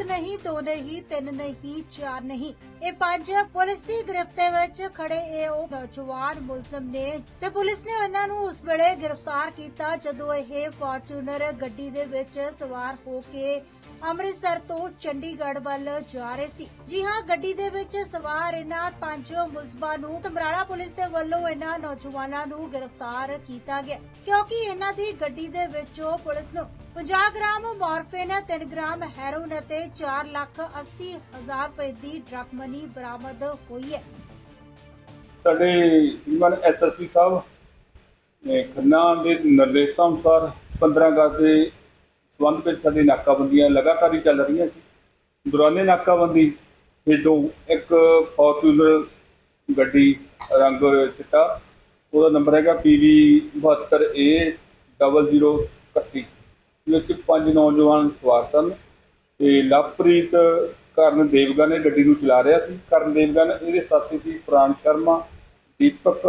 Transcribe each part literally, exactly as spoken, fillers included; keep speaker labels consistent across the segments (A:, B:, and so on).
A: नहीं, दो नहीं, तीन नहीं, चार नहीं, ਇਹ ਪੰਜ ਪੁਲਿਸ ਦੀ ਗ੍ਰਿਫਤ ਦੇ ਵਿੱਚ ਖੜੇ ਇਹ ਉਹ ਨੌਜਵਾਨ ਮੁਲਜ਼ਮ ਨੇ ਤੇ ਪੁਲਿਸ ਨੇ ਉਹਨਾਂ ਨੂੰ ਉਸ ਵੇਲੇ ਗ੍ਰਿਫਤਾਰ ਕੀਤਾ ਜਦੋਂ ਇਹ ਫਾਰਚੂਨਰ ਗੱਡੀ ਦੇ ਵਿੱਚ ਸਵਾਰ ਹੋ ਕੇ ਅੰਮ੍ਰਿਤਸਰ ਤੋਂ ਚੰਡੀਗੜ੍ਹ ਵੱਲ ਜਾ ਰਹੇ ਸੀ। ਜੀ ਹਾਂ, ਗੱਡੀ ਦੇ ਵਿੱਚ ਸਵਾਰ ਇਹਨਾਂ ਪੰਜ ਮੁਲਜ਼ਮਾਂ ਨੂੰ ਸਮਰਾਲਾ ਪੁਲਿਸ ਦੇ ਵੱਲੋਂ ਇਹਨਾਂ ਨੌਜਵਾਨਾਂ ਨੂੰ ਗ੍ਰਿਫਤਾਰ ਕੀਤਾ ਗਿਆ ਕਿਉਂਕਿ ਇਹਨਾਂ ਦੀ ਗੱਡੀ ਦੇ ਵਿੱਚੋਂ ਪੁਲਿਸ ਨੂੰ ਪੰਜਾਹ ਗ੍ਰਾਮ ਮੋਰਫਿਨ, ਤਿੰਨ ਗ੍ਰਾਮ ਹੈਰੋਇਨ ਅਤੇ ਚਾਰ ਲੱਖ अस्सी ਹਜ਼ਾਰ ਰੁਪਏ ਦੀ ਡਰੱਗ ਮਨੀ ਬਰਾਮਦ ਹੋਈ ਹੈ।
B: ਸਾਡੇ ਸ਼੍ਰੀਮਾਨ ਐਸ ਐਸ ਪੀ ਸਾਹਿਬ ਨੇ ਖੰਨਾ ਦੇ ਨਿਰਦੇਸ਼ਾਂ ਅਨੁਸਾਰ ਪੰਦਰਾਂ ਅਗਸਤ ਦੇ ਸੰਬੰਧ ਵਿੱਚ ਸਾਡੀ ਨਾਕਾਬੰਦੀਆਂ ਲਗਾਤਾਰ ਹੀ ਚੱਲ ਰਹੀਆਂ ਸੀ। ਦੌਰਾਨੇ ਨਾਕਾਬੰਦੀ ਹੇਠੋਂ ਇੱਕ ਫੋਰਚੂਨਰ ਗੱਡੀ ਰੰਗ ਚਿੱਟਾ, ਉਹਦਾ ਨੰਬਰ ਹੈਗਾ ਪੀ ਵੀ ਬਹੱਤਰ ਏ ਡਬਲ ਜ਼ੀਰੋ ਇਕੱਤੀ ਵਿੱਚ ਪੰਜ ਨੌਜਵਾਨ ਸਵਾਰ ਸਨ ਤੇ ਲਵਪ੍ਰੀਤ ਕਰਨ ਦੇਵਗਨ ਨੇ ਗੱਡੀ ਨੂੰ ਚਲਾ ਰਿਹਾ ਸੀ। ਕਰਨ ਦੇਵਗਨ ਇਹਦੇ ਸਾਥੀ ਸੀ ਪ੍ਰਾਣ ਸ਼ਰਮਾ, ਦੀਪਕ,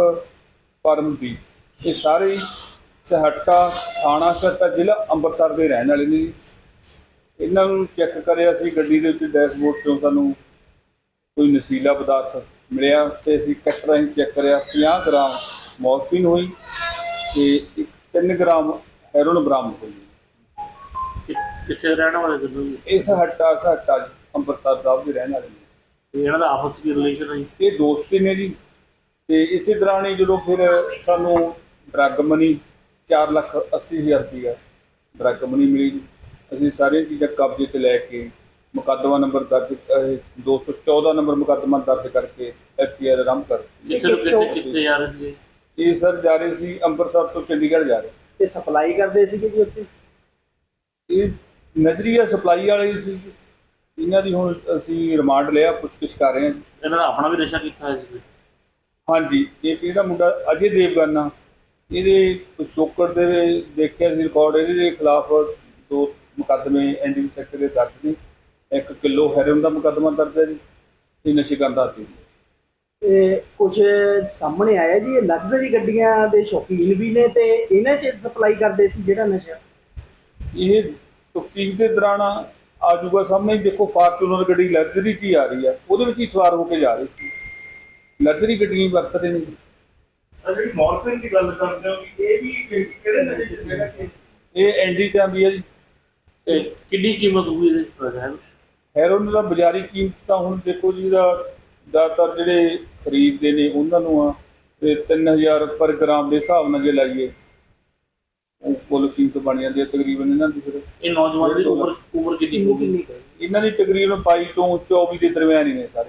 B: ਪਰਮਦੀਪ। ਇਹ ਸਾਰੇ ਸਹੱਟਾ ਥਾਣਾ ਸਹੱਟਾ ਜ਼ਿਲ੍ਹਾ ਅੰਮ੍ਰਿਤਸਰ ਦੇ ਰਹਿਣ ਵਾਲੇ ਨੇ। ਇਹਨਾਂ ਨੂੰ ਚੈੱਕ ਕਰਿਆ ਸੀ ਗੱਡੀ ਦੇ ਉੱਤੇ ਡੈਸ਼ਬੋਰਡ ਤੋਂ ਸਾਨੂੰ ਕੋਈ ਨਸ਼ੀਲਾ ਪਦਾਰਥ ਮਿਲਿਆ ਤੇ ਅਸੀਂ ਕੱਟ ਰਾਹੀਂ ਚੈੱਕ ਕਰਿਆ। ਪੰਜਾਹ ਗ੍ਰਾਮ ਮੋਰਫਿਨ ਹੋਈ ਤੇ ਇੱਕ ਤਿੰਨ ਗ੍ਰਾਮ ਹੈਰੋਇਨ ਬਰਾਮਦ ਹੋਈ।
C: ਕਿੱਥੇ ਰਹਿਣ ਵਾਲੇ ਦੋਨੋਂ ਜੀ?
B: ਇਹ ਸਹੱਟਾ ਸਹੱਟਾ ਅੰਮ੍ਰਿਤਸਰ ਸਾਹਿਬ ਦੇ ਰਹਿਣ ਵਾਲੇ ਨੇ।
C: ਇਹਨਾਂ ਦਾ ਆਪਸ ਵਿੱਚ ਰਿਲੇਸ਼ਨ ਹੈ ਜੀ?
B: ਇਹ ਦੋਸਤੀ ਨੇ ਜੀ ਤੇ ਇਸੇ ਦੌਰਾਨ ਹੀ ਜਦੋਂ ਫਿਰ ਸਾਨੂੰ ਡਰੱਗ ਮਨੀ ਚਾਰ ਲੱਖ ਅੱਸੀ ਹਜ਼ਾਰ ਰੁਪਈਆ ਡਰੱਗ ਮਨੀ ਮਿਲੀ ਜੀ। ਅਸੀਂ ਸਾਰੀਆਂ ਚੀਜ਼ਾਂ ਕਬਜ਼ੇ 'ਚ ਲੈ ਕੇ ਮੁਕੱਦਮਾ ਨੰਬਰ ਦਰਜ ਦੋ ਸੌ ਚੌਦਾਂ ਨੰਬਰ ਮੁਕੱਦਮਾ ਦਰਜ ਕਰਕੇ ਐਫ ਆਈ ਆਰ ਆਰੰਭ ਕਰ ਦਿੱਤੀ।
C: ਕਿੱਥੇ ਤੋਂ ਕਿੱਥੇ ਕਿੱਥੇ ਜਾ ਰਹੇ ਸੀਗੇ
B: ਇਹ ਸਰ ਜਾ ਰਹੇ ਸੀ ਅੰਮ੍ਰਿਤਸਰ ਤੋਂ ਚੰਡੀਗੜ੍ਹ ਜਾ ਰਹੇ ਸੀ।
D: ਤੇ ਸਪਲਾਈ ਕਰਦੇ ਸੀਗੇ ਜੀ ਉੱਥੇ?
B: ਇਹ ਨਜ਼ਰੀਆ ਸਪਲਾਈ ਵਾਲੇ ਸੀ। ਇਹਨਾਂ ਦੀ ਹੁਣ ਅਸੀਂ ਰਿਮਾਂਡ ਲਿਆ, ਪੁੱਛਗਿੱਛ ਕਰ ਰਹੇ ਹਾਂ।
C: ਇਹਨਾਂ ਦਾ ਆਪਣਾ ਵੀ ਨਸ਼ਾ ਕੀਤਾ ਹੋਇਆ ਸੀ?
B: ਹਾਂਜੀ, ਇੱਕ ਇਹਦਾ ਮੁੰਡਾ ਅਜੇ ਦੇਵਗਨ ਆ, ਇਹਦੇ ਪਿਛੋਕੜ ਦੇ ਦੇਖਿਆ ਸੀ ਰਿਕਾਰਡ, ਇਹਦੇ ਦੇ ਖਿਲਾਫ ਦੋ ਮੁਕੱਦਮੇ ਐਨ ਡੀ ਪੀ ਸੈਕਟਰ ਦੇ ਦਰਜ ਨੇ। ਇੱਕ ਕਿਲੋ ਹੈਰੋਇਨ ਦਾ ਮੁਕੱਦਮਾ ਦਰਜ ਹੈ ਜੀ, ਇਹ ਨਸ਼ੇ ਕਰਨ ਦਾ ਆਦੀ।
D: ਤੇ ਕੁਝ ਸਾਹਮਣੇ ਆਇਆ ਜੀ ਇਹ ਲਗਜ਼ਰੀ ਗੱਡੀਆਂ ਦੇ ਸ਼ੌਕੀਨ ਵੀ ਨੇ ਤੇ ਇਹਨਾਂ 'ਚ ਸਪਲਾਈ ਕਰਦੇ ਸੀ ਜਿਹੜਾ ਨਸ਼ਾ?
B: ਇਹ ਤਫਤੀਸ਼ ਦੇ ਦੌਰਾਨ ਆ ਜੂਗਾ ਸਾਹਮਣੇ। ਦੇਖੋ ਫਾਰਚੂਨਰ ਗੱਡੀ ਲਗਜ਼ਰੀ 'ਚ ਹੀ ਆ ਰਹੀ ਆ, ਉਹਦੇ ਵਿੱਚ ਹੀ ਸਵਾਰ ਹੋ ਕੇ ਜਾ ਰਹੀ ਸੀ। ਲਗਜ਼ਰੀ ਗੱਡੀਆਂ ਹੀ ਵਰਤ ਰਹੇ ਨੇ ਜੀ।
E: ਜਿਹੜੀ ਮੋਰਫਿਨ ਦੀ ਗੱਲ ਕਰਦੇ ਹੋ ਇਹ ਵੀ ਕਿਹੜੇ ਨਸ਼ੇ 'ਚ ਜਿਹੜਾ ਕਿ
B: ਇਹ ਐਂਡੀ 'ਚ ਆਉਂਦੀ ਹੈ ਜੀ।
C: ਇਹ ਕਿੰਨੀ ਕੀਮਤ ਹੋਊਗੀ ਇਹਦੇ?
B: ਹੈਰੋਇਨ ਦਾ ਬਾਜ਼ਾਰੀ ਕੀਮਤ ਤਾਂ ਹੁਣ ਦੇਖੋ ਜੀ ਦਾ ਜ਼ਿਆਦਾਤਰ ਜਿਹੜੇ ਖਰੀਦਦੇ ਨੇ ਉਹਨਾਂ ਨੂੰ ਆ ਤੇ ਤਿੰਨ ਹਜ਼ਾਰ ਪਰ ਗ੍ਰਾਮ ਦੇ ਹਿਸਾਬ ਨਾਲ ਜੇ ਲਾਈਏ ਉਹ ਕੁੱਲ ਕੀਮਤ ਬਣ ਜਾਂਦੀ ਹੈ ਤਕਰੀਬਨ ਇਹਨਾਂ ਦੀ। ਫਿਰ
C: ਇਹ ਨੌਜਵਾਨ ਦੀ ਉਮਰ ਉਮਰ ਕਿੰਨੀ ਹੋਊਗੀ?
B: ਇਹਨਾਂ ਦੀ ਤਕਰੀਬਨ ਬਾਈ ਤੋਂ ਚੌਵੀ ਦੇ ਦਰਮਿਆਨ ਹੀ ਨੇ ਸਾਰੇ।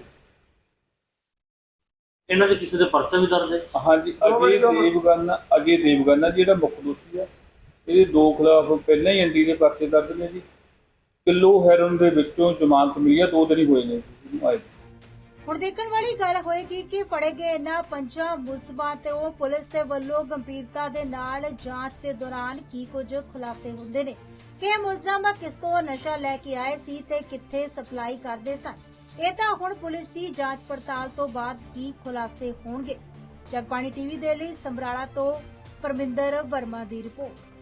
C: ਇਹਨਾਂ 'ਚ ਕਿਸੇ ਦੇ ਪਰਚਾ ਵੀ ਦਰਜ ਹੈ?
B: ਹਾਂਜੀ, ਅਜੇ ਦੇਵਗਨ ਅਜੇ ਦੇਵਗਨ ਜਿਹੜਾ ਮੁੱਖ ਦੋਸ਼ੀ ਆ, ਇਹਦੇ ਦੋ ਖਿਲਾਫ ਪਹਿਲਾਂ ਹੀ ਐਨ ਡੀ ਦੇ ਪਰਚੇ ਦਰਜ ਨੇ ਜੀ। ਕਿਲੋ ਹੈਰੋਇਨ ਦੇ ਵਿੱਚੋਂ ਜ਼ਮਾਨਤ ਮਿਲੀ ਆ, ਦੋ ਦਿਨ ਹੀ ਹੋਏ ਨੇ ਜੀ ਆਏ।
A: ਹੁਣ ਦੇਖਣ ਵਾਲੀ ਗੱਲ ਹੋਏਗੀ ਕਿ ਫੜੇ ਗਏ ਇਹਨਾਂ ਪੰਜਾਂ ਮੁਲਜ਼ਮਾਂ ਤੇ ਉਹ ਪੁਲਿਸ ਦੇ ਵੱਲੋਂ ਗੰਭੀਰਤਾ ਦੇ ਨਾਲ ਜਾਂਚ ਦੇ ਦੌਰਾਨ ਕੀ ਕੁਝ ਖੁਲਾਸੇ ਹੁੰਦੇ ਨੇ ਕਿ ਇਹ ਮੁਲਜ਼ਮ ਕਿਸ ਤੋਂ ਨਸ਼ਾ ਲੈ ਕੇ ਆਏ ਸੀ ਤੇ ਕਿੱਥੇ ਸਪਲਾਈ ਕਰਦੇ ਸਨ। ਇਹ ਤਾਂ ਹੁਣ ਪੁਲਿਸ ਦੀ ਜਾਂਚ ਪੜਤਾਲ ਤੋਂ ਬਾਅਦ ਹੀ ਖੁਲਾਸੇ ਹੋਣਗੇ। ਜਗਬਾਣੀ ਟੀਵੀ ਦੇ ਲਈ ਸਮਰਾਲਾ ਤੋਂ ਪਰਮਿੰਦਰ ਵਰਮਾ ਦੀ ਰਿਪੋਰਟ।